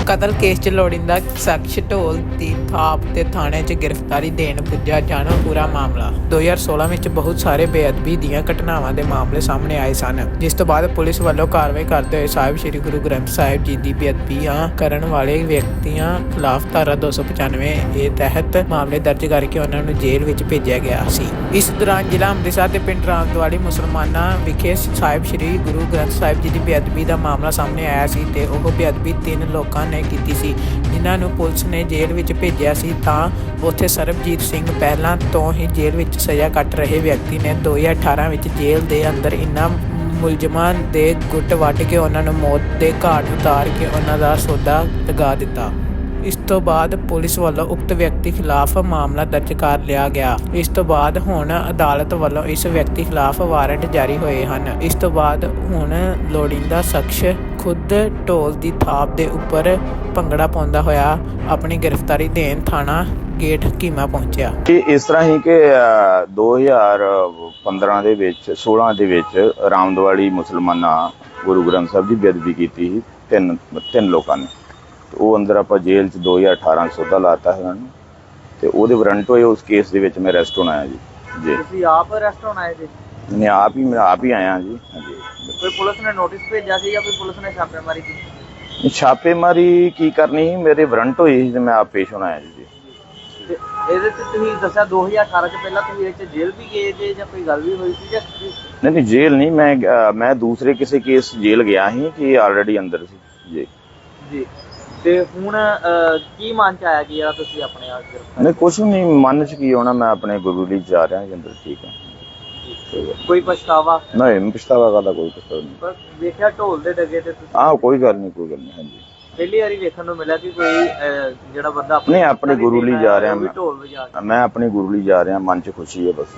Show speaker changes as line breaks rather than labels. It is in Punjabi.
ਕਤਲ ਕੇਸ 'ਚ ਲੋੜੀਂਦਾ ਸ਼ਖਸ ਢੋਲ ਦੀ ਥਾਪ ਤੇ ਥਾਣੇ 'ਚ ਗ੍ਰਿਫਤਾਰੀ ਦੇਣ ਪੁੱਜਾ। ਜਾਣੋ ਪੂਰਾ ਮਾਮਲਾ। 2016 ਵਿੱਚ ਬਹੁਤ ਸਾਰੇ ਬੇਅਦਬੀ ਦੀਆਂ ਘਟਨਾਵਾਂ ਦੇ ਮਾਮਲੇ ਸਾਹਮਣੇ ਆਏ ਸਨ, ਜਿਸ ਤੋਂ ਬਾਅਦ ਪੁਲਿਸ ਵੱਲੋਂ ਕਾਰਵਾਈ ਕਰਦੇ ਹੋਏ ਸਾਹਿਬ ਸ੍ਰੀ ਗੁਰੂ ਗ੍ਰੰਥ ਸਾਹਿਬ ਜੀ ਦੀ ਬੇਅਦਬੀਆਂ ਕਰਨ ਵਾਲੇ ਵਿਅਕਤੀਆਂ ਖਿਲਾਫ ਧਾਰਾ 295 ਏ ਤਹਿਤ ਮਾਮਲੇ ਦਰਜ ਕਰਕੇ ਉਹਨਾਂ ਨੂੰ ਜੇਲ੍ਹ ਵਿੱਚ ਭੇਜਿਆ ਗਿਆ ਸੀ। ਇਸ ਦੌਰਾਨ ਜ਼ਿਲ੍ਹਾ ਅੰਮ੍ਰਿਤਸਰ ਦੇ ਪਿੰਡ ਰਾਮਦਵਾਲੀ ਮੁਸਲਮਾਨਾਂ ਵਿਖੇ ਸਾਹਿਬ ਸ੍ਰੀ ਗੁਰੂ ਗ੍ਰੰਥ ਸਾਹਿਬ ਜੀ ਦੀ ਬੇਅਦਬੀ ਦਾ ਮਾਮਲਾ ਸਾਹਮਣੇ ਆਇਆ ਸੀ ਤੇ ਉਹ ਬੇਅਦਬੀ 3 ਲੋਕਾਂ ਨੇ ਕੀਤੀ ਸੀ, ਜਿਨ੍ਹਾਂ ਨੂੰ ਪੁਲਿਸ ਨੇ ਜੇਲ੍ਹ ਵਿੱਚ ਭੇਜਿਆ ਸੀ। ਤਾਂ ਉੱਥੇ ਸਰਬਜੀਤ ਸਿੰਘ ਪਹਿਲਾਂ ਤੋਂ ਹੀ ਜੇਲ੍ਹ ਵਿੱਚ ਸਜ਼ਾ ਕੱਟ ਰਹੇ ਵਿਅਕਤੀ ਨੇ 2018 ਵਿੱਚ ਜੇਲ੍ਹ ਦੇ ਅੰਦਰ ਇਨ੍ਹਾਂ ਮੁਲਜ਼ਮਾਂ ਦੇ ਗੁੱਟ ਵੱਢ ਕੇ ਉਹਨਾਂ ਨੂੰ ਮੌਤ ਦੇ ਘਾਟ ਉਤਾਰ ਕੇ ਉਹਨਾਂ ਦਾ ਸੌਦਾ ਲਗਾ ਦਿੱਤਾ। ਇਸ ਤੋਂ ਬਾਅਦ ਪੁਲਿਸ ਵੱਲੋਂ ਉਕਤ ਵਿਅਕਤੀ ਖਿਲਾਫ ਮਾਮਲਾ ਦਰਜ ਕਰ ਲਿਆ ਗਿਆ। ਇਸ ਤੋਂ ਬਾਅਦ ਹੁਣ ਅਦਾਲਤ ਵੱਲੋਂ ਇਸ ਵਿਅਕਤੀ ਖਿਲਾਫ ਵਾਰੰਟ ਜਾਰੀ ਹੋਏ ਹਨ। ਇਸ ਤੋਂ ਬਾਅਦ ਹੁਣ ਲੋੜੀਂਦਾ ਸ਼ਖਸ ਖੁਦ ਢੋਲ ਦੀ ਥਾਪ ਦੇ ਉੱਪਰ ਭੰਗੜਾ ਪਾਉਂਦਾ ਹੋਇਆ ਆਪਣੀ ਗ੍ਰਿਫਤਾਰੀ ਦੇਣ ਥਾਣਾ ਗੇਟ ਹਕੀਮਾ ਪਹੁੰਚਿਆ।
ਇਸ ਤਰ੍ਹਾਂ ਹੀ ਕਿ 2015 ਦੇ ਵਿੱਚ 16 ਦੇ ਵਿੱਚ ਰਾਮਦਵਾਲੀ ਮੁਸਲਮਾਨਾਂ ਗੁਰੂ ਗ੍ਰੰਥ ਸਾਹਿਬ ਦੀ ਬੇਅਦਬੀ ਕੀਤੀ ਸੀ ਤਿੰਨ ਲੋਕਾਂ ਨੇ। ਉਹ ਅੰਦਰ ਆਪਾਂ ਜੇਲ੍ਹ 'ਚ 2018 ਸੌਦਾ ਲਾਤਾ ਹੈ ਉਹਨੂੰ, ਤੇ ਉਹਦੇ ਵਾਰੰਟ ਹੋਏ। ਉਸ ਕੇਸ ਦੇ ਵਿੱਚ ਮੈਂ ਅਰੈਸਟ ਹੋਣਾ ਹੈ ਜੀ।
ਤੁਸੀਂ ਆਪ ਅਰੈਸਟ ਹੋਣਾ ਹੈ ਜੀ?
ਮੈਂ ਆਪ ਹੀ ਆਇਆ ਜੀ। ਹਾਂਜੀ।
ਕੋਈ ਪੁਲਿਸ ਨੇ ਨੋਟਿਸ ਭੇਜਿਆ ਸੀ ਜਾਂ ਕੋਈ ਪੁਲਿਸ ਨੇ ਛਾਪੇਮਾਰੀ ਕੀਤੀ?
ਛਾਪੇਮਾਰੀ ਕੀ ਕਰਨੀ ਸੀ, ਮੇਰੇ ਵਾਰੰਟ ਹੋਏ ਸੀ ਤੇ ਮੈਂ ਆਪ ਪੇਸ਼ ਹੋਣਾ ਹੈ ਜੀ।
ਤੇ ਇਹਦੇ 'ਚ ਤੁਸੀਂ ਦੱਸਿਆ 2018 'ਚ ਪਹਿਲਾਂ ਤੁਸੀਂ ਇਹ 'ਚ ਜੇਲ੍ਹ ਵੀ ਗਏ ਜੇ ਜਾਂ ਕੋਈ ਗੱਲ ਵੀ ਹੋਈ ਸੀ ਜਾਂ
ਨਹੀਂ ਜੇਲ੍ਹ ਨਹੀਂ, ਮੈਂ ਦੂਸਰੇ ਕਿਸੇ ਕੇਸ ਜੇਲ੍ਹ ਗਿਆ ਸੀ ਕਿ ਆਲਰੇਡੀ ਅੰਦਰ ਸੀ ਜੀ।
ਜੀ। ਤੇ ਹੁਣ ਕੀ ਮਨ 'ਚ ਆਇਆ ਕਿ ਯਾਰ ਤੁਸੀਂ ਆਪਣੇ ਆਪ
ਨਹੀਂ ਕੁਛ ਨਹੀਂ ਮਨ 'ਚ ਕੀ ਹੋਣਾ, ਮੈਂ ਆਪਣੇ ਗੁਰੂ ਲਈ ਜਾ ਰਿਹਾ ਜੀ ਅੰਦਰ। ਠੀਕ ਹੈ।
ਕੋਈ ਪਛਤਾਵਾ
ਨਹੀਂ, ਪਛਤਾਵਾ ਕਰਦਾ ਕੋਈ ਪਛਤਾਵਾ ਨਹੀਂ।
ਪਰ ਵੇਖਿਆ ਢੋਲ ਦੇ ਡਗੇ ਤੇ ਤੁਸੀਂ
ਕੋਈ ਗੱਲ ਨਹੀਂ ਹਾਂਜੀ।
ਪਹਿਲੀ ਵਾਰੀ ਵੇਖਣ ਨੂੰ ਮਿਲਿਆ ਕਿ ਕੋਈ ਜਿਹੜਾ ਬੰਦਾ
ਨਹੀਂ ਆਪਣੇ ਗੁਰੂ ਲਈ ਜਾ ਰਿਹਾ
ਢੋਲ ਵਜਾ ਕੇ
ਮੈਂ ਆਪਣੇ ਗੁਰੂ ਲਈ ਜਾ ਰਿਹਾ, ਮਨ 'ਚ ਖੁਸ਼ੀ ਹੈ ਬਸ।